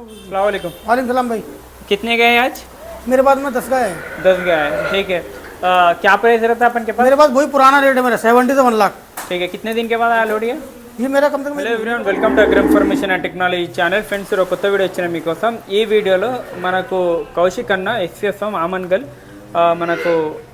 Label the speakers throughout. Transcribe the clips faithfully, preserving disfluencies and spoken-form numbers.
Speaker 1: अस्सलाम वालेकुम।
Speaker 2: वालेकुम सलाम भाई।
Speaker 1: कितने गए आज?
Speaker 2: मेरे पास में दस का है।
Speaker 1: दस गए हैं, ठीक है। आ, क्या प्राइस रहता है अपन के पास?
Speaker 2: मेरे पास वही पुराना रेट है मेरा, सेवेंटी से वन लाख।
Speaker 1: ठीक है, कितने दिन के बाद आया लोड ये?
Speaker 2: ये मेरा कम से कम
Speaker 1: hello everyone, welcome to agri information and technology channel. Friends, ఒక కొత్త వీడియో వచ్చిన మీకోసం. ఈ వీడియోలో మనకు కౌశిక్ అన్న ఎక్స్ఎస్ ఫామ్ ఆమన్గల్ మనకు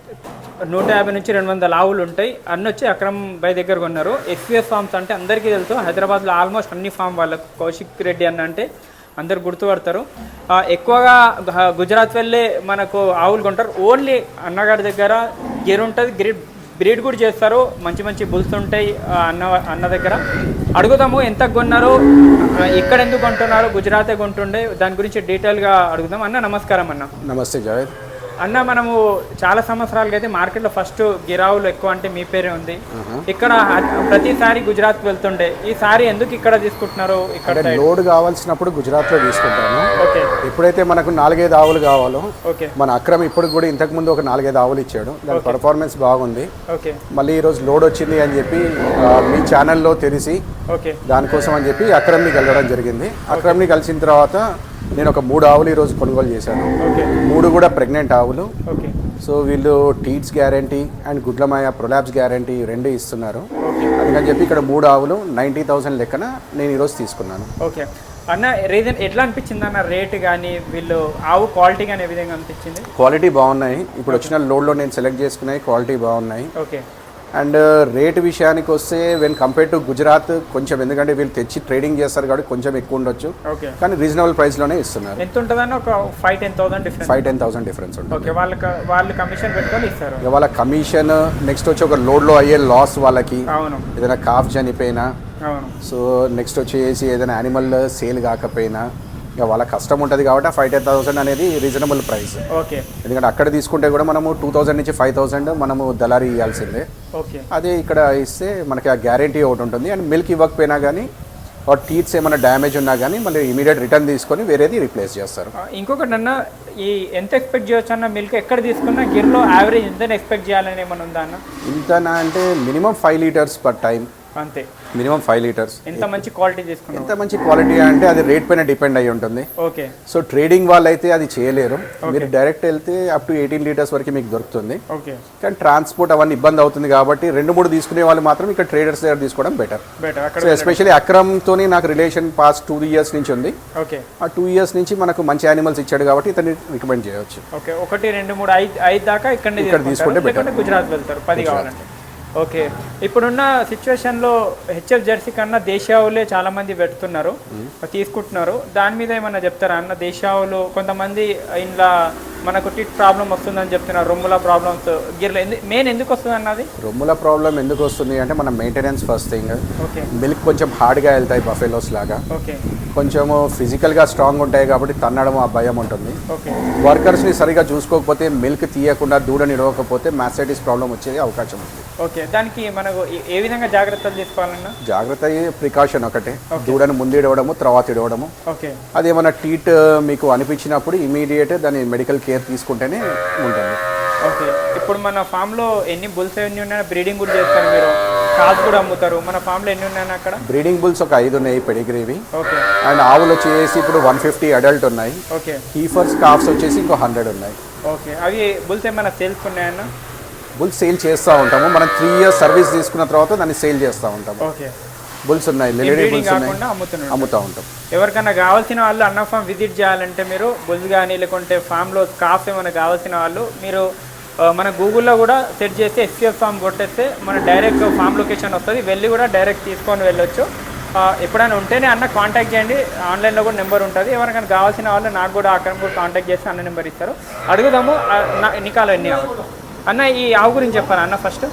Speaker 1: నూట యాభై నుంచి రెండు వందల ఆవులు ఉంటాయి. అన్న వచ్చి అక్రమ్ బై దగ్గర కొన్నారు. ఎక్స్ఎస్ ఫామ్స్ అంటే అందరికీ తెలుసు, హైదరాబాద్లో ఆల్మోస్ట్ అన్ని ఫామ్ వాళ్ళకు కౌశిక్ రెడ్డి అన్న అంటే అందరు గుర్తుపడతారు. ఎక్కువగా గుజరాత్ వెళ్ళే మనకు ఆవులు కొంటారు. ఓన్లీ అన్నగారి దగ్గర గేర్ ఉంటుంది, గ్రిడ్ బ్రీడ్ కూడా చేస్తారు. మంచి మంచి బుల్స్ ఉంటాయి అన్న అన్న దగ్గర. అడుగుదాము ఎంత కొన్నారు, ఇక్కడ ఎందుకు కొంటున్నారు, గుజరాతే కొంటుండే, దాని గురించి డీటెయిల్గా అడుగుదాం. అన్న నమస్కారం. అన్న
Speaker 3: నమస్తే జావేద్.
Speaker 1: అన్న, మనము చాలా సంవత్సరాలుగా అయితే మార్కెట్లో ఫస్ట్ గిరావులు ఎక్కువ అంటే మీ పేరే ఉంది. ఇక్కడ ప్రతిసారి గుజరాత్ వెళ్తుండే, ఈసారి ఎందుకు ఇక్కడ తీసుకుంటున్నారు? ఇక్కడ
Speaker 3: లోడ్ కావాల్సినప్పుడు గుజరాత్ లో తీసుకుంటాను.
Speaker 1: ఓకే.
Speaker 3: ఎప్పుడైతే మనకు నాలుగైదు ఆవులు కావాలో,
Speaker 1: ఓకే,
Speaker 3: మన అక్రమ్ ఇప్పుడు కూడా ఇంతకు ముందు ఒక నాలుగైదు ఆవులు ఇచ్చాడు. దాని పర్ఫార్మెన్స్ బాగుంది.
Speaker 1: ఓకే.
Speaker 3: మళ్ళీ ఈ రోజు లోడ్ వచ్చింది అని చెప్పి మీ ఛానల్లో తెలిసి
Speaker 1: ఓకే
Speaker 3: దానికోసం అని చెప్పి అక్రమ్ని కలవడం జరిగింది. అక్రమ్ని కలిసిన తర్వాత నేను ఒక మూడు ఆవులు ఈరోజు కొనుగోలు చేశాను. మూడు కూడా ప్రెగ్నెంట్ ఆవులు. సో వీళ్ళు టీట్స్ గ్యారంటీ అండ్ గుడ్లమాయ ప్రొలాబ్స్ గ్యారంటీ రెండు ఇస్తున్నారు. అందుకని చెప్పి ఇక్కడ మూడు ఆవులు నైంటీ థౌసండ్ లెక్కన నేను ఈరోజు తీసుకున్నాను.
Speaker 1: ఓకే అన్న, రీజన్ ఎట్లా అనిపించింది అన్న? రేట్ కానీ వీళ్ళు ఆవు క్వాలిటీ కానీ ఏ విధంగా అనిపించింది?
Speaker 3: క్వాలిటీ బాగున్నాయి. ఇప్పుడు వచ్చిన లోడ్లో నేను సెలెక్ట్ చేసుకున్నాయి, క్వాలిటీ బాగున్నాయి.
Speaker 1: ఓకే.
Speaker 3: అండ్ రేట్ విషయానికి వస్తే వెన్ కంపేర్ టు గుజరాత్ కొంచెం, ఎందుకంటే వీళ్ళు తెచ్చి ట్రేడింగ్ చేస్తారు కాబట్టి కొంచెం ఎక్కువ ఉండొచ్చు, కానీ రీజనబుల్ ప్రైస్ లోనే ఇస్తున్నారు.
Speaker 1: ఎంత ఉంటుందని ఒక five ten thousand difference
Speaker 3: five ten thousand difference ఉంటుంది.
Speaker 1: ఓకే. వాళ్ళకి వాళ్ళు కమిషన్ పెట్టుకొని ఇస్తారు.
Speaker 3: వాళ్ళ కమిషన్ నెక్స్ట్ వచ్చి ఒక లోడ్ లో అయ్యే లాస్ వాళ్ళకి,
Speaker 1: అవును, ఏదైనా
Speaker 3: కాఫ్ చనిపోయినా,
Speaker 1: అవును,
Speaker 3: సో నెక్స్ట్ వచ్చేసి ఏదైనా యానిమల్ సేల్ కాకపోయినా ఇక వాళ్ళ కష్టం ఉంటుంది కాబట్టి ఫైవ్ టెన్ థౌసండ్ అనేది రీజనబుల్ ప్రైస్.
Speaker 1: ఓకే.
Speaker 3: ఎందుకంటే అక్కడ తీసుకుంటే కూడా మనము టూ థౌసండ్ నుంచి ఫైవ్ థౌసండ్ మనము దళారీ ఇవ్వాల్సిందే.
Speaker 1: ఓకే. అదే
Speaker 3: ఇక్కడ ఇస్తే మనకి ఆ గ్యారంటీ ఒకటి ఉంటుంది. అండ్ మిల్క్ ఇవ్వకపోయినా కానీ ఆ టీత్స్ ఏమైనా డ్యామేజ్ ఉన్నా కానీ మళ్ళీ ఇమీడియట్ రిటర్న్ తీసుకొని వేరేది రీప్లేస్ చేస్తారు.
Speaker 1: ఇంకొకటి అన్న, ఈ ఎంత ఎక్స్పెక్ట్ చేయొచ్చు అన్న? మిల్క్ ఎక్కడ తీసుకున్నా గిర్లో యావరేజ్ ఎంత ఎక్స్పెక్ట్ చేయాలని ఏమైనా ఉందా అన్న?
Speaker 3: ఇంతనా అంటే minimum five litres per time,
Speaker 1: అంతే.
Speaker 3: Minimum five litres.
Speaker 1: ఎంత మంచి క్వాలిటీ తీసుకున్నాం,
Speaker 3: ఎంత మంచి క్వాలిటీ అంటే అది రేట్ పైన డిపెండ్ అయ్యి ఉంటుంది.
Speaker 1: ఓకే.
Speaker 3: సో ట్రేడింగ్ వాళ్ళు అయితే అది చేయలేరు. మీరు డైరెక్ట్ వెళ్తే అప్ టు ఎయిటీన్ లీటర్స్ వరకు మీకు దొరుకుతుంది.
Speaker 1: ఓకే.
Speaker 3: కానీ ట్రాన్స్పోర్ట్ అవన్నీ ఇబ్బంది అవుతుంది కాబట్టి రెండు మూడు తీసుకునే వాళ్ళు మాత్రం ఇక్కడ ట్రేడర్స్ దగ్గర తీసుకోవడం బెటర్.
Speaker 1: బెటర్.
Speaker 3: సో ఎస్పెషల్లీ అక్రమ్తో నాకు రిలేషన్ పాస్ట్ టూ ఇయర్స్ నుంచి ఉంది.
Speaker 1: ఓకే. ఆ
Speaker 3: టూ ఇయర్స్ నుంచి మనకు మంచి యానిమల్స్ ఇచ్చాడు కాబట్టి ఇతన్ని రికమెండ్ చేయవచ్చు.
Speaker 1: ఓకే. ఒకటి రెండు మూడు ఐదు ఐదు దాకా ఇక్కడ
Speaker 3: ఇక్కడ తీసుకుంటే బెటర్.
Speaker 1: గుజరాత్ వెళ్తారు పది కావాలంటే. ఓకే. ఇప్పుడున్న సిచ్యువేషన్లో హెచ్ఎఫ్ జెర్సీ కన్నా దేశావులే చాలా మంది పెడుతున్నారు, తీసుకుంటున్నారు. దాని మీద ఏమన్నా చెప్తారా అన్న? దేశావులు కొంతమంది ఇంట్లో మనకు టిట్ ప్రాబ్లం వస్తుందని చెప్తున్నారు, రొమ్ముల ప్రాబ్లమ్స్ గిర్ల మెయిన్ ఎందుకు వస్తుంది అన్నది?
Speaker 3: రొమ్ముల ప్రాబ్లం ఎందుకు వస్తుంది అంటే మన maintenance first thing.
Speaker 1: Okay.
Speaker 3: Milk కొంచెం హార్డ్గా వెళ్తాయి బఫెలోస్ లాగా.
Speaker 1: ఓకే.
Speaker 3: కొంచెము ఫిజికల్గా స్ట్రాంగ్ ఉంటాయి కాబట్టి తన్నడం ఆ భయం ఉంటుంది.
Speaker 1: ఓకే.
Speaker 3: వర్కర్స్ని సరిగా చూసుకోకపోతే, మిల్క్ తీయకుండా దూడని ఇడవకపోతే మ్యాస్టైటిస్ ప్రాబ్లం వచ్చే అవకాశం ఉంది.
Speaker 1: ఓకే. దానికి మనకు ఏ విధంగా జాగ్రత్తలు తీసుకోవాలన్నా?
Speaker 3: జాగ్రత్త ప్రికాషన్ ఒకటే, దూడను ముందు ఇడవడము తర్వాత ఇడవడము.
Speaker 1: ఓకే.
Speaker 3: అది ఏమైనా టీట్ మీకు అనిపించినప్పుడు ఇమీడియట్ దాని మెడికల్ కేర్ తీసుకుంటేనే ఉంటుంది.
Speaker 1: ఓకే. ఇప్పుడు మన ఫామ్లో ఎన్ని బుల్స్ ఎన్ని ఉన్నాయో బ్రీడింగ్ కూడా చేస్తారు మీరు, కాస్ కూడా అమ్ముతారు. మన ఫామ్లో ఎన్ని ఉన్నాయని అక్కడ? బ్రీడింగ్
Speaker 3: బుల్స్ ఒక ఐదు ఉన్నాయి పెడిగ్రీవి.
Speaker 1: ఓకే.
Speaker 3: అండ్ ఆవులు వచ్చేసి ఇప్పుడు వన్ ఫిఫ్టీ అడల్ట్ ఉన్నాయి.
Speaker 1: ఓకే.
Speaker 3: హీఫర్స్ కాఫ్స్ వచ్చేసి ఇంకో హండ్రెడ్ ఉన్నాయి.
Speaker 1: ఓకే. అవి బుల్స్ ఏమైనా సేల్స్ ఉన్నాయన్న?
Speaker 3: బుల్స్ సేల్ చేస్తూ ఉంటాము. మనం త్రీ ఇయర్స్ సర్వీస్ తీసుకున్న తర్వాత దాన్ని సేల్ చేస్తూ ఉంటాము.
Speaker 1: ఓకే.
Speaker 3: బుల్స్ ఉన్నాయి, లేడీ బుల్స్ ఉన్నాయి, అమ్ముతూ ఉంటాం.
Speaker 1: ఎవరికైనా కావాల్సిన వాళ్ళు అన్న ఫామ్ విజిట్ చేయాలంటే మీరు బుల్స్ కానీ లేకుంటే ఫామ్లో కాఫ్ ఏమైనా కావాల్సిన వాళ్ళు మీరు మన గూగుల్లో కూడా సెర్చ్ చేస్తే ఎస్సీఎఫ్ ఫామ్ కొట్టేస్తే మన డైరెక్ట్ ఫామ్ లొకేషన్ వస్తుంది, వెళ్ళి కూడా డైరెక్ట్ తీసుకొని వెళ్ళొచ్చు. ఎప్పుడైనా ఉంటేనే అన్న కాంటాక్ట్ చేయండి, ఆన్లైన్లో కూడా నెంబర్ ఉంటుంది. ఎవరికైనా కావాల్సిన వాళ్ళు నాకు కూడా అక్కడ కూడా కాంటాక్ట్ చేస్తే అన్న నెంబర్ ఇస్తారు. అడుగుదాము ఎన్నికాలు ఎన్ని అన్న. ఈ ఆవు గురించి చెప్పాను అన్న ఫస్ట్.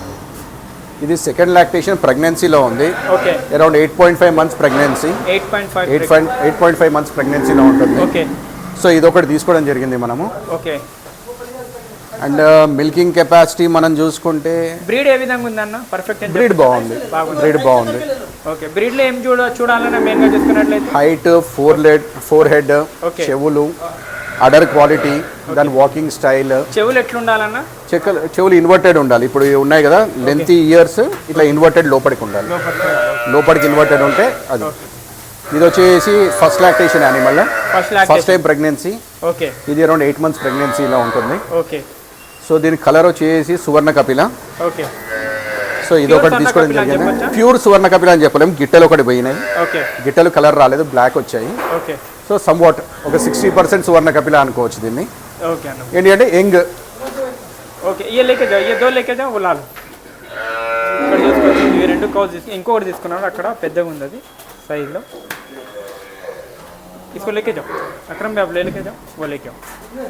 Speaker 3: ఇది సెకండ్ లాక్టేషన్ ప్రెగ్నెన్సీలో ఉంది.
Speaker 1: Okay.
Speaker 3: Around eight point five months pregnancy.
Speaker 1: Eight point five
Speaker 3: eight point eight point five months ప్రెగ్నెన్సీలో ఉంటుంది.
Speaker 1: ఓకే.
Speaker 3: సో ఇది ఒకటి తీసుకోవడం జరిగింది మనము.
Speaker 1: ఓకే.
Speaker 3: అండ్ మిల్కింగ్ కెపాసిటీ మనం చూసుకుంటే
Speaker 1: బ్రీడ్ ఏ విధంగా ఉందన్న? పర్ఫెక్ట్
Speaker 3: బ్రీడ్ బాగుంది, బ్రీడ్ బాగుంది.
Speaker 1: ఓకే. బ్రీడ్లో ఏం చూడ చూడాలన్నా మెయిన్గా చూసుకున్నట్లయితే
Speaker 3: height, four led forehead, చెవులు, అడర్ క్వాలిటీ, దాని వాకింగ్ స్టైల్.
Speaker 1: చెవులు ఎట్లుండాలన్నా?
Speaker 3: చెక్కలు చెవులు ఇన్వర్టెడ్ ఉండాలి. ఇప్పుడు ఉన్నాయి కదా లెంతీ ఇయర్స్, ఇట్లా ఇన్వర్టెడ్ లోపలికి ఉండాలి. లోపలికి ఇన్వర్టెడ్ ఉంటే అది. ఇది వచ్చేసి first lactation animal,
Speaker 1: first
Speaker 3: first time pregnancy.
Speaker 1: Okay,
Speaker 3: ఇది అరౌండ్ ఎయిట్ మంత్స్ ప్రెగ్నెన్సీలో ఉంటుంది.
Speaker 1: ఓకే.
Speaker 3: సో దీని కలర్ వచ్చేసి సువర్ణ కపిల.
Speaker 1: ఓకే,
Speaker 3: సో ఇది ఒకటి
Speaker 1: Pure
Speaker 3: తీసుకోవడం
Speaker 1: సువర్ణ కపిల అని
Speaker 3: జరిగింది.
Speaker 1: చెప్పొచ్చా?
Speaker 3: ప్యూర్ సువర్ణ కపిల అని చెప్పలేము, గిట్టెలు ఒకటి పోయినాయి.
Speaker 1: ఓకే,
Speaker 3: గిట్టెలు కలర్ రాలేదు, బ్లాక్ వచ్చాయి.
Speaker 1: ఓకే,
Speaker 3: సో సమ్ వాట్ ఒక సిక్స్టీ పర్సెంట్ సువర్ణ కపిల అనుకోవచ్చు దీన్ని.
Speaker 1: ఓకే అన్న.
Speaker 3: ఏంటి అంటే యంగ్.
Speaker 1: ఓకే, ये लेके जाओ, ये दो लेके जाओ, वो लाल. ఇక్కడ చూసుకోవచ్చు, ఇవి రెండు కౌస్ తీసుకు ఇంకొకటి తీసుకున్నాడు అక్కడ పెద్దగా ఉంది అది సైడ్లో. इसको लेके जाओ अकरम भाई, आप ले लेके जाओ, वो लेके आओ.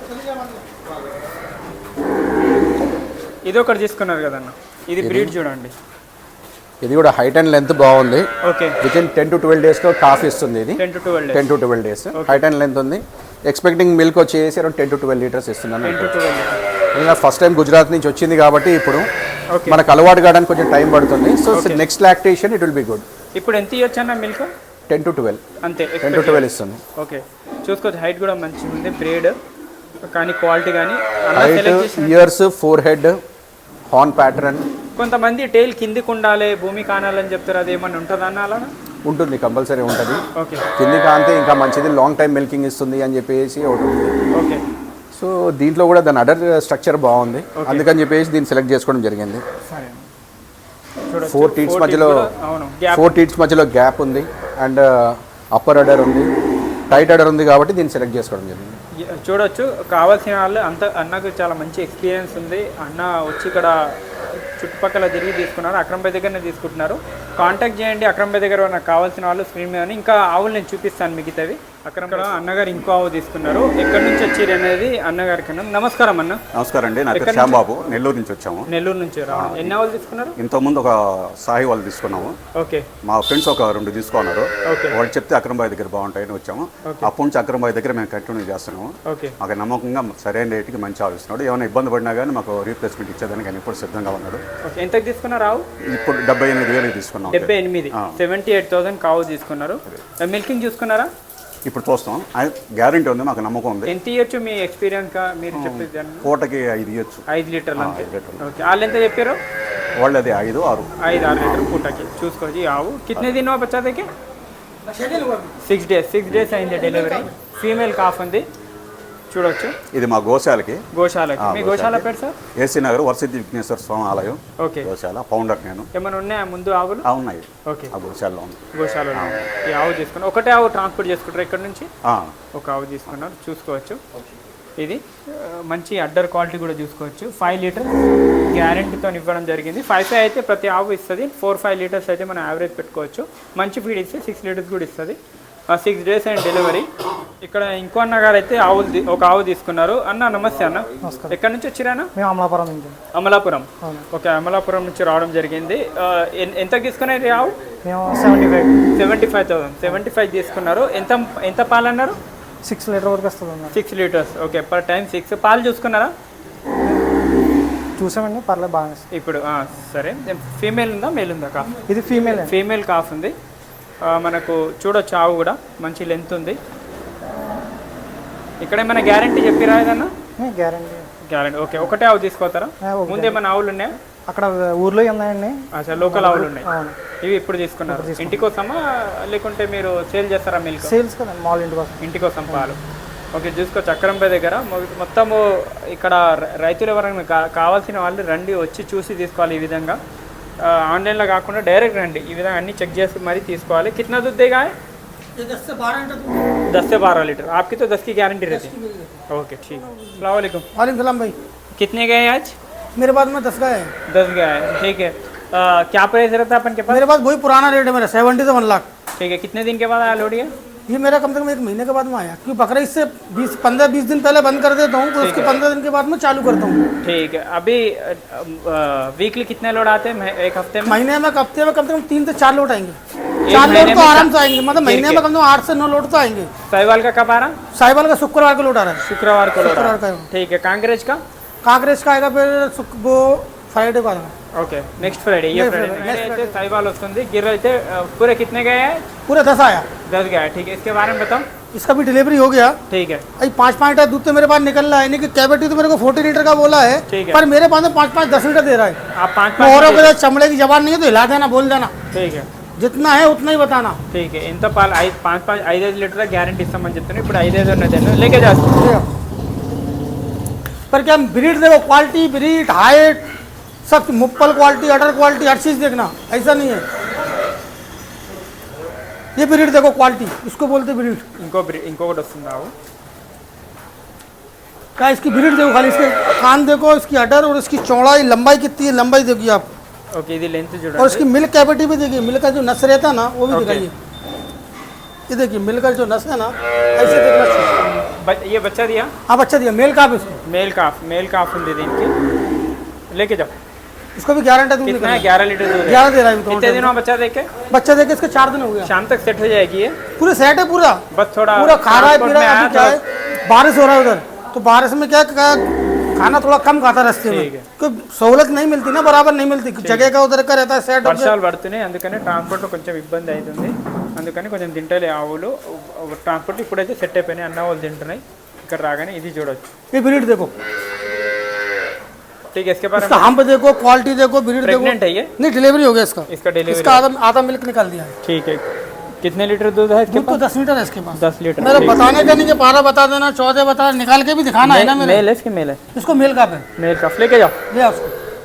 Speaker 1: ఇది ఒకటి తీసుకున్నారు కదన్న, ఇది బ్రీడ్ చూడండి.
Speaker 3: ఇది కూడా హైట్ అండ్ లెంత్ బాగుంది.
Speaker 1: Okay,
Speaker 3: within ten to twelve డేస్లో కాఫ్ ఇస్తుంది. ఇది
Speaker 1: ten to twelve
Speaker 3: ten to twelve days height and length ఉంది. ఎక్స్పెక్టింగ్ మిల్క్ వచ్చేసి around ten to twelve litres ఇస్తున్నాను.
Speaker 1: Ten to twelve.
Speaker 3: ఇంకా ఫస్ట్ టైం గుజరాత్ నుంచి వచ్చింది కాబట్టి ఇప్పుడు
Speaker 1: ఓకే,
Speaker 3: మనకు అలవాటు కావడానికి కొంచెం టైం పడుతుంది. So next lactation it will be good.
Speaker 1: ఇప్పుడు ఎంత ఇవ్వచ్చు అన్న మిల్క్?
Speaker 3: టెన్ టు ట్వెల్వ్
Speaker 1: అంతే,
Speaker 3: టెన్ టు ట్వెల్వ్ ఇస్తుంది.
Speaker 1: ఓకే, చూసుకోవచ్చు హైట్ కూడా మంచిగా ఉంది, బ్రీడ్ కానీ క్వాలిటీ కానీ
Speaker 3: height, ears, forehead, horn pattern.
Speaker 1: కొంతమంది టైల్ కిందికి ఉండాలి, భూమి కానాలని చెప్తారు, అది ఏమన్నా ఉంటుందా అన్న అలా?
Speaker 3: ఉంటుంది, కంపల్సరీ ఉంటుంది.
Speaker 1: ఓకే,
Speaker 3: కింది కాంతే ఇంకా మంచిది, లాంగ్ టైం మిల్కింగ్ ఇస్తుంది అని చెప్పేసి ఒకటి ఉంది.
Speaker 1: ఓకే.
Speaker 3: సో దీంట్లో కూడా దాని అడర్ స్ట్రక్చర్ బాగుంది, అందుకని చెప్పేసి దీన్ని సెలెక్ట్ చేసుకోవడం జరిగింది.
Speaker 1: సరే, చూడొచ్చు,
Speaker 3: ఫోర్ టీట్స్ మధ్యలో
Speaker 1: అవును గ్యాప్,
Speaker 3: ఫోర్ టీట్స్ మధ్యలో గ్యాప్ ఉంది అండ్ అప్పర్ అడర్ ఉంది, టైట్ అడర్ ఉంది కాబట్టి దీన్ని సెలెక్ట్ చేసుకోవడం జరిగింది.
Speaker 1: చూడొచ్చు. కావాల్సిన వాళ్ళు అంత అన్నకు చాలా మంచి ఎక్స్పీరియన్స్ ఉంది. అన్న వచ్చి ఇక్కడ చుట్టుపక్కల తిరిగి తీసుకున్నారు, అక్రమ్ భాయ్ దగ్గరనే తీసుకుంటున్నారు. కాంటాక్ట్ చేయండి అక్రమ్ భాయ్ దగ్గర, నాకు కావాల్సిన వాళ్ళు స్క్రీన్ మీద. ఇంకా ఆవులు నేను చూపిస్తాను మిగతావి. అక్రమ్ భాయ్ అన్నగారు ఇంకో ఆవు తీసుకున్నారు. ఎక్కడి నుంచి వచ్చారు అనేది అన్నగారి కన్నా. నమస్కారం అన్న.
Speaker 4: నమస్కారం అండి, నా పేరు శ్యాంబాబు, నెల్లూరు నుంచి వచ్చాము.
Speaker 1: నెల్లూరు నుంచి రావడం. ఎన్ని ఆవులు తీసుకున్నారు?
Speaker 4: ఇంతకుముందు ఒక సాయి వాళ్ళు తీసుకున్నాము.
Speaker 1: ఓకే,
Speaker 4: మా ఫ్రెండ్స్ ఒక రెండు తీసుకున్నారు.
Speaker 1: ఓకే,
Speaker 4: వాళ్ళు చెప్తే అక్రమ్ భాయ్ దగ్గర బాగుంటాయని వచ్చాము. అప్పటి నుంచి అక్రమ్ భాయ్ దగ్గర మేము కంటిన్యూ చేస్తున్నాము.
Speaker 1: ఓకే,
Speaker 4: మాకు నమ్మకంగా సరైన రేటుకి మంచి ఆలోచిస్తున్నాడు. ఏమైనా ఇబ్బంది పడినా కానీ మాకు రీప్లేస్మెంట్ ఇచ్చేదానికి ఆయన ఇప్పుడు సిద్ధంగా ఉన్నాడు.
Speaker 1: ఓకే. ఎంతకు తీసుకున్నారు ఆవు?
Speaker 4: ఇప్పుడు డెబ్బై ఎనిమిది వేలకు తీసుకున్నాం.
Speaker 1: డెబ్బై ఎనిమిది సెవెంటీ ఎయిట్ థౌసండ్ కావు తీసుకున్నారు. మిల్కింగ్ చూసుకున్నారా?
Speaker 4: ఇప్పుడు చూస్తాం, గ్యారంటీ ఉంది, మాకు నమ్మకం ఉంది.
Speaker 1: ఎంత ఇవ్వచ్చు మీ ఎక్స్పీరియన్స్ గా మీరు చెప్పేది?
Speaker 4: పూటకి ఐదు ఇవ్వచ్చు.
Speaker 1: ఐదు లీటర్లు అంతే.
Speaker 4: ఐదు లీటర్లు.
Speaker 1: ఓకే, వాళ్ళు ఎంత చెప్పారు?
Speaker 4: వాళ్ళు అది ఐదు ఆరు
Speaker 1: ఐదు ఆరు లీటర్ పూటకి. చూసుకోవచ్చు. ఈ ఆవు కితనే దినో బచ్చా దేకి? సిక్స్ డేస్ సిక్స్ డేస్ అయింది డెలివరీ. ఫీమేల్ కాఫ్ ఉంది, చూడొచ్చు.
Speaker 4: ఇది మా గోశాలకి.
Speaker 1: గోశాలకి. మీ గోశాల పేరు సార్?
Speaker 4: ఏసీ నగర్ వరసిద్ధి విఘ్నేశ్వర స్వామి ఆలయం.
Speaker 1: ఓకే,
Speaker 4: గోశాల ఫౌండర్ నేను.
Speaker 1: ఏమైనా ఉన్నాయా ముందు ఆవులు?
Speaker 4: ఆ, ఉన్నాయి.
Speaker 1: ఓకే,
Speaker 4: ఆ గోశాలలో ఉంది.
Speaker 1: గోశాలలో ఈ ఆవు తీసుకున్నారు. ఒకటే ఆవు ట్రాన్స్పోర్ట్ చేసుకుంటారు ఇక్కడ నుంచి?
Speaker 4: ఆ,
Speaker 1: ఒక ఆవు తీసుకున్నారు, చూసుకోవచ్చు. ఇది ఆ, మంచి అడ్డర్ క్వాలిటీ కూడా చూసుకోవచ్చు. ఫైవ్ లీటర్ గ్యారెంటీతో ఇవ్వడం జరిగింది. ఫైవ్ ఫైవ్ అయితే ప్రతి ఆవు ఇస్తుంది. ఫోర్ ఫైవ్ లీటర్స్ అయితే మనం యావరేజ్ పెట్టుకోవచ్చు. మంచి ఫీడ్ ఇస్తే సిక్స్ లీటర్స్ కూడా ఇస్తుంది. Six days and delivery. ఇక్కడ ఇంకో అన్న గారు అయితే ఆవులు తీ- ఒక ఆవు తీసుకున్నారు. అన్న నమస్తే అన్న. ఎక్కడి నుంచి వచ్చిరానా?
Speaker 2: మేము అమలాపురం నుంచి.
Speaker 1: అమలాపురం. ఓకే, అమలాపురం నుంచి రావడం జరిగింది. ఆ, ఎన్- ఎంత తీసుకున్నారు ఆవు?
Speaker 2: మేము seventy five
Speaker 1: seventy five thousand seventy five తీసుకున్నారు. ఎంత ఎంత పాలు అన్నారు?
Speaker 2: సిక్స్ లీటర్ వరకు వస్తుంది అన్న.
Speaker 1: Six litres. Okay, per time six. పాలు చూసుకున్నారా?
Speaker 2: చూసామండి, పర్లేదు బాగా వస్తుంది.
Speaker 1: ఇప్పుడు ఆ, సరే. ఫీమేల్ ఉందా మేల్ ఉందా కాఫ్?
Speaker 2: ఇది ఫీమేల్.
Speaker 1: ఫీమేల్ కాఫ్ ఉంది. ఆ, మనకు చూడొచ్చు ఆవు కూడా మంచి లెంత్ ఉంది. ఇక్కడ ఏమైనా గ్యారంటీ చెప్పిరా ఏదన్నా?
Speaker 2: Guarantee
Speaker 1: guarantee. ఓకే, ఒకటే ఆవు తీసుకోతారా? ముందు ఏమైనా ఆవులు ఉన్నాయా?
Speaker 2: అక్కడ ఊర్లో ఉన్నాయండి.
Speaker 1: అచ్చా, లోకల్ ఆవులు ఉన్నాయి.
Speaker 2: అవును.
Speaker 1: ఇవి ఇప్పుడు తీసుకున్నారు. ఇంటి కోసమా లేకుంటే మీరు సేల్ చేస్తారా మిల్క్?
Speaker 2: సేల్స్ కదా, మాల్ ఇంటి కోసం.
Speaker 1: ఇంటి కోసం పాలు. ఓకే, చూసుకోవచ్చు. అక్రంపై దగ్గర మొ- మొత్తము ఇక్కడ ర- రైతులు ఎవరైనా కా- కావాల్సిన వాళ్ళు రండి, వచ్చి చూసి తీసుకోవాలి. ఈ విధంగా ఆ, ఆన్లైన్లో కాకుండా డైరెక్ట్ రండి. ఈ విధంగా అన్ని చెక్ చేసి మరీ తీసుకోవాలి. కిतना दूध देगा है?
Speaker 2: दस से बारह लीटर।
Speaker 1: दस से बारह लीटर। आपकी तो दस की गारंटी रहती है। ओके, ठीक। अस्सलाम वालेकुम।
Speaker 2: वालेकुम सलाम भाई।
Speaker 1: कितने गए आज?
Speaker 2: मेरे पास में दस का है।
Speaker 1: दस गए हैं, ठीक है। आ, क्या प्राइस रहता है अपन के पास?
Speaker 2: मेरे पास वही पुराना रेट है मेरा, सेवेंटी से वन लाख।
Speaker 1: ठीक है, कितने दिन के बाद आया लोडिया?
Speaker 2: ये मेरा कम से कम एक महीने के बाद में आया, क्योंकि बकरा इससे बीस पंद्रह बीस दिन पहले बंद कर देता हूँ, तो उसके पंद्रह दिन के बाद में चालू करता हूँ।
Speaker 1: ठीक है। अभी वीकली कितने लोड आते हैं एक हफ्ते में?
Speaker 2: महीने में हफ्ते में कम से कम तीन से चार लोड आएंगे।
Speaker 1: एक
Speaker 2: चार
Speaker 1: महीने
Speaker 2: लोड तो
Speaker 1: में
Speaker 2: आराम
Speaker 1: चा-
Speaker 2: से आएंगे, मतलब महीने में कम से कम आठ से नौ लोड तो आएंगे।
Speaker 1: साहिवाल का कब आ रहा?
Speaker 2: साहिवाल का शुक्रवार को लोड आ रहा है।
Speaker 1: शुक्रवार को लोड आ
Speaker 2: शुक्रवार
Speaker 1: रहा
Speaker 2: का
Speaker 1: है।
Speaker 2: है।
Speaker 1: ठीक है। कांग्रेस का?
Speaker 2: कांग्रेस का आएगा फिर शुक- वो फ्राइडे को आएगा।
Speaker 1: Okay, next Friday. ये
Speaker 2: Next
Speaker 1: फ्राइडे
Speaker 2: Friday, next
Speaker 1: అయితే साहिवाल వస్తుంది. गिर అయితే पूरे कितने गए हैं?
Speaker 2: पूरे दस आया।
Speaker 1: दस गए। ठीक है, इसके बारे में बताओ।
Speaker 2: इसका भी डिलीवरी हो गया।
Speaker 1: ठीक है,
Speaker 2: अभी पाँच पाँच लीटर दूध तो मेरे पास निकल रहा है, नहीं कि कैविटी तो मेरे को फोर्टी लीटर का बोला है,
Speaker 1: ठीक है।
Speaker 2: पर मेरे पास में पाँच पाँच दस लीटर दे रहा है।
Speaker 1: आप पाँच
Speaker 2: औरों
Speaker 1: पाँच
Speaker 2: के साथ चमड़े की जबान नहीं है तो हिला देना, बोल देना।
Speaker 1: ठीक है,
Speaker 2: जितना है उतना ही बताना।
Speaker 1: ठीक है ఇంత పాలు ఐదు పాంచ్ పాంచ్ ఐదు ఐదు లీటర్ గ్యారంటీ ఇస్తామని చెప్తున్నాను ఇప్పుడు ఐదు ఐదు ఉన్నది లేకే చేస్తాం
Speaker 2: ले आओ। पर क्या ब्रीड देखो, क्वालिटी, ब्रीड, हाइट, सब मुप्पल क्वालिटी, अडर क्वालिटी, हर चीज़ देखना, ऐसा नहीं है। ये ब्रीड देखो, क्वालिटी, इसको बोलते ब्रीड।
Speaker 1: ఇంకో బ్రీ- ఇంకొకటి వస్తుంది ఆవు
Speaker 2: क्या इसकी ब्रीड देखो, खाली इसके कान देखो, इसकी अडर और इसकी चौड़ाई, लंबाई कितनी है, लंबाई देखिए आप।
Speaker 1: ఓకే ఇది లెంత్
Speaker 2: और
Speaker 1: చూడండి
Speaker 2: इसकी मिल्क कैविटी भी देखिए, मिल्क का जो नस रहता है ना वो भी
Speaker 1: Okay.
Speaker 2: दिखाइए। ये देखिए मिल्क का जो नस है ना, ऐसे देखना चाहिए।
Speaker 1: బ- ये बच्चा दिया
Speaker 2: हाँ बच्चा दिया, मेल का आप इसको
Speaker 1: మేల్ కాఫ్ మేల్ కాఫ్ ఉంది దీనికి लेके जाओ
Speaker 2: इसको भी गारंटी दूध
Speaker 1: कितना है
Speaker 2: निकलना।
Speaker 1: ग्यारह लीटर दूध है
Speaker 2: ग्यारह दे रहा है
Speaker 1: कितने
Speaker 2: इनको।
Speaker 1: दिनों में बच्चा देके
Speaker 2: बच्चा देके इसका चार दिन हो गया,
Speaker 1: शाम तक सेट हो जाएगी ये
Speaker 2: पूरे सेट है पूरा।
Speaker 1: बस थोड़ा
Speaker 2: पूरा खा रहा है,
Speaker 1: transport
Speaker 2: पी रहा
Speaker 1: में
Speaker 2: है।
Speaker 1: आया
Speaker 2: अभी क्या है,
Speaker 1: तो-
Speaker 2: बारिश हो रहा है उधर, तो बारिश में क्या क्या खाना थोड़ा कम खाता रास्ते में,
Speaker 1: ठीक है।
Speaker 2: कोई सहूलत नहीं मिलती ना, बराबर नहीं मिलती, जगह का उधर का रहता है सेट।
Speaker 1: వర్షాలు పడుతున్నాయి అందుకని ట్రాన్స్పోర్ట్లో కొంచెం ఇబ్బంది అవుతుంది అందుకని కొంచెం తింటలే ఆవులు ట్రాన్స్పోర్ట్ ఇప్పుడైతే సెట్ అయిపోయినాయి అన్న వాళ్ళు తింటున్నాయి ఇక్కడ రాగానే ఇది చూడొచ్చు
Speaker 2: ये ब्रीड देखो,
Speaker 1: ठीक है इसके बारे
Speaker 2: इसका
Speaker 1: में
Speaker 2: हम देखो, क्वालिटी देखो, ब्रीड देखो।
Speaker 1: प्रेग्नेंट है ये
Speaker 2: नहीं डिलीवरी हो गया इसका,
Speaker 1: इसका डिलीवरी
Speaker 2: इसका आधा आधा मिल्क निकाल दिया है।
Speaker 1: ठीक है कितने लीटर दूध है इसके
Speaker 2: दूध तो दस लीटर है इसके पास।
Speaker 1: दस लीटर
Speaker 2: मेरे बताने का नहीं कि बारह बता देना, चौदह बता, निकाल के भी दिखाना है ना मेरे।
Speaker 1: मेल है इसके मेल है
Speaker 2: इसको मेल काफ है,
Speaker 1: मेल काफ लेके जाओ
Speaker 2: ले आओ उसको।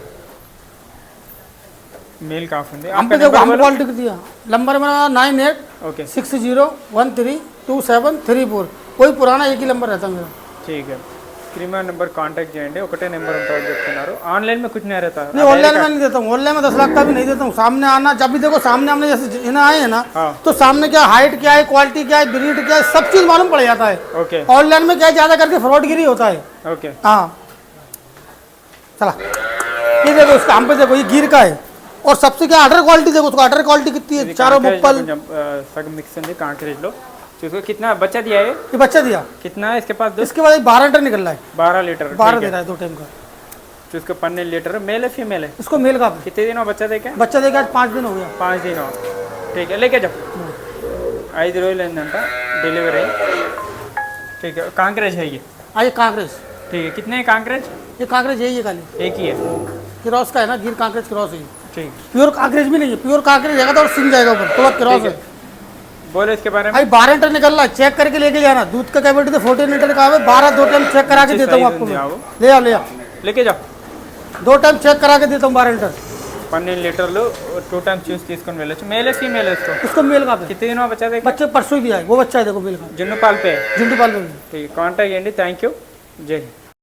Speaker 1: मेल काफ ఉంది
Speaker 2: हम पे देखो, हम क्वालिटी दिया, नंबर मेरा nine eight
Speaker 1: okay
Speaker 2: six zero one three two seven three four, कोई पुराना एक ही नंबर रहता है मेरा।
Speaker 1: ठीक है स्क्रीन నెంబర్ కాంటాక్ట్ చేయండి ఒకటే నెంబర్ ఉంటుందని చెప్తున్నారు ఆన్లైన్ में कुछ नहीं रहता
Speaker 2: नहीं ऑनलाइन में नहीं देता हूँ, ऑनलाइन में दस लाख का भी नहीं देता हूँ। सामने आना, जब भी देखो सामने हमने जैसे इन्हें आए हैं ना,
Speaker 1: हाँ।
Speaker 2: तो सामने क्या हाइट क्या है, क्वालिटी क्या है, ब्रीड क्या है, सब चीज़ मालूम पड़ जाता है।
Speaker 1: ओके
Speaker 2: ऑनलाइन में क्या है, ज़्यादा करके फ्रॉडगिरी होता है।
Speaker 1: ओके
Speaker 2: हाँ चला, ये देखो इसका हम पे देखो, ये गिर का है, और सबसे क्या अडर क्वालिटी देखो, उसको अडर क्वालिटी कितनी है,
Speaker 1: ఇది
Speaker 2: चारों
Speaker 1: కాంక్రీజ్
Speaker 2: मुप्पल।
Speaker 1: కొంచెం సగం మిక్స్ ఉంది కాంక్రీజ్ లో చూసుకో कितना बच्चा दिया है
Speaker 2: ये बच्चा दिया,
Speaker 1: कितना है इसके पास दूध
Speaker 2: इसके बाद बारह लीटर निकल रहा है,
Speaker 1: बारह लीटर
Speaker 2: बारह दे रहा है दो टाइम का।
Speaker 1: जिसको पन्ने लीटर मेल है फीमेल है
Speaker 2: इसको मेल का
Speaker 1: कितने दिनों बच्चा देखे
Speaker 2: बच्चा देगा, आज पाँच दिन हो गया।
Speaker 1: पाँच दिन ठीक है लेके जाओ ఐదు రోజులు అయిందంట డెలివరీ ठीक है कांक्रेज है ये
Speaker 2: आइए कांकरेज,
Speaker 1: ठीक है कितने हैं कांक्रेज
Speaker 2: ये कांकरेज यही है खाली,
Speaker 1: एक ही है
Speaker 2: क्रॉस का है ना, गिर कांकरेज क्रॉस है।
Speaker 1: ठीक
Speaker 2: प्योर कांकरेज भी नहीं है, प्योर कांकरेज रहेगा तो और सिंग जाएगा ऊपर, थोड़ा क्रॉस
Speaker 1: ठीक
Speaker 2: है।
Speaker 1: है बोलो इसके बारे में
Speaker 2: भाई बारह लीटर निकल रहा है, चेक करके लेके जाना, दूध का कैपेसिटी तो फोर्टीन लीटर का है, बारह दो टाइम चेक करा के
Speaker 1: अच्छी
Speaker 2: देता हूँ
Speaker 1: size
Speaker 2: आपको
Speaker 1: ఉంది
Speaker 2: मैं।
Speaker 1: ఆవు.
Speaker 2: ले आओ ले आओ,
Speaker 1: लेके जाओ
Speaker 2: दो टाइम चेक करा के देता हूँ बारह लीटर।
Speaker 1: పన్నెండు లీటర్లు టూ టైమ్స్ చూసి తీసుకొని వెళ్ళొచ్చు మేల్ है फीमेल है इसको
Speaker 2: इसको मेल का है,
Speaker 1: कितने दिनों बच्चा देखे
Speaker 2: बच्चे परसों भी आए, वो बच्चा है देखो मेल का,
Speaker 1: जुन्नू पाल पे
Speaker 2: जिंटू पाल में भी।
Speaker 1: ठीक है कांटेक्ट చేయండి థ్యాంక్ యూ జై హింద్